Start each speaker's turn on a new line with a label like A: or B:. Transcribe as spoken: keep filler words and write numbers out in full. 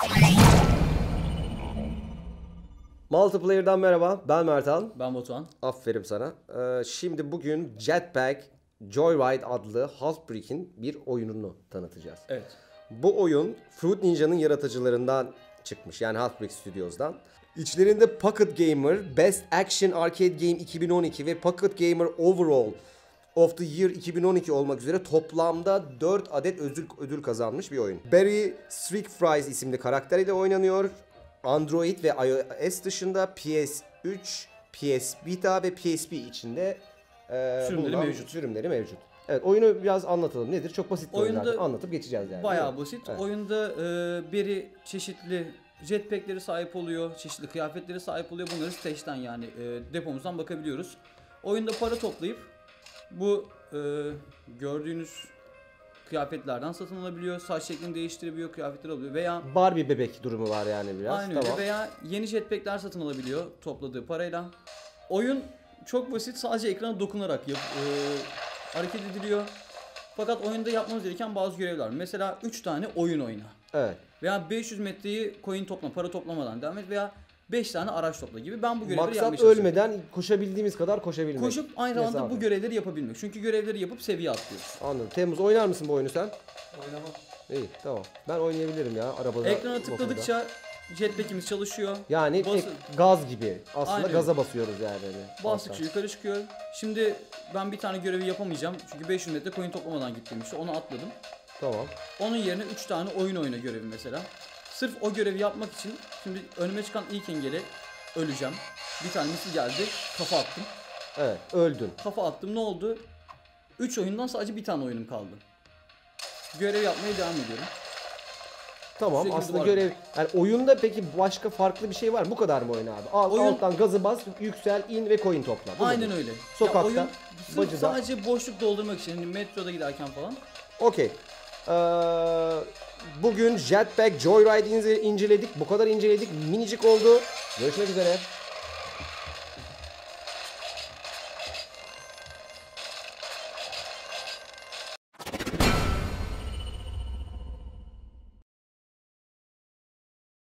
A: Multiplayer'dan merhaba, ben Mertan.
B: Ben Batuhan.
A: Aferin sana. Ee, şimdi bugün Jetpack Joyride adlı Half-Break'in bir oyununu tanıtacağız.
B: Evet.
A: Bu oyun Fruit Ninja'nın yaratıcılarından çıkmış, yani Half-Break Studios'dan. İçlerinde Pocket Gamer Best Action Arcade Game iki bin on iki ve Pocket Gamer Overall of the Year iki bin on iki olmak üzere toplamda dört adet ödül, ödül kazanmış bir oyun. Barry Strickfries isimli karakter ile oynanıyor. Android ve iOS dışında P S üç, P S Vita ve P S P içinde e,
B: sürümleri mevcut.
A: sürümleri mevcut. Evet, oyunu biraz anlatalım. Nedir? Çok basit bir oyun
B: Oyunda
A: zaten. Anlatıp geçeceğiz yani.
B: Bayağı basit.
A: Evet.
B: Oyunda e, biri çeşitli jetpack'leri sahip oluyor, çeşitli kıyafetleri sahip oluyor. Bunları stage'den yani e, depomuzdan bakabiliyoruz. Oyunda para toplayıp bu e, gördüğünüz kıyafetlerden satın alabiliyor. Saç şeklini değiştirebiliyor, kıyafetler alıyor veya
A: Barbie bebek durumu var yani biraz.
B: aynı
A: Tamam.
B: öyle veya yeni jetpack'ler satın alabiliyor topladığı parayla. Oyun çok basit, sadece ekrana dokunarak yap, e, hareket ediliyor. Fakat oyunda yapmamız gereken bazı görevler var. Mesela üç tane oyun oyna.
A: Evet.
B: Veya beş yüz metreyi coin topla, para toplamadan devam et veya beş tane araç topla gibi. Ben bu görevleri yapmaya
A: Maksat
B: çalışıyorum.
A: ölmeden koşabildiğimiz kadar koşabilmek.
B: Koşup aynı zamanda
A: Mesafe.
B: bu görevleri yapabilmek. Çünkü görevleri yapıp seviye atlıyoruz.
A: Anladım. Temmuz, oynar mısın bu oyunu sen?
B: Oynamam.
A: İyi, tamam. Ben oynayabilirim ya arabada.
B: Ekrana tıkladıkça jetpack'imiz çalışıyor.
A: Yani
B: Bas-
A: ek- gaz gibi. Aslında
B: Aynen.
A: gaza basıyoruz yani. Hani.
B: Bastıkça yukarı çıkıyor. Şimdi ben bir tane görevi yapamayacağım. Çünkü beş yüz metre coin toplamadan gittim işte. Onu atladım.
A: Tamam.
B: Onun yerine üç tane oyun oyna görevi mesela. Sırf o görevi yapmak için şimdi önüme çıkan ilk engeli öleceğim. Bir tane misil geldi. Kafa attım.
A: Evet, öldün.
B: Kafa attım, ne oldu? üç oyundan sadece bir tane oyunum kaldı. Görev yapmaya devam ediyorum.
A: Tamam,
B: Sürekli
A: aslında
B: duvar-
A: görev... Yani oyunda peki başka farklı bir şey var mı? Bu kadar mı oyun abi? Alt,
B: Oyun-
A: Alttan gazı bas, yüksel, in ve coin topla. Bu
B: Aynen
A: mudur?
B: öyle.
A: Sokakta,
B: Ya oyun sırf
A: bacıda.
B: sadece boşluk doldurmak için, hani metroda giderken falan.
A: Okey. Ee, bugün Jetpack Joyride ince- inceledik. Bu kadar inceledik. Minicik oldu. Görüşmek üzere.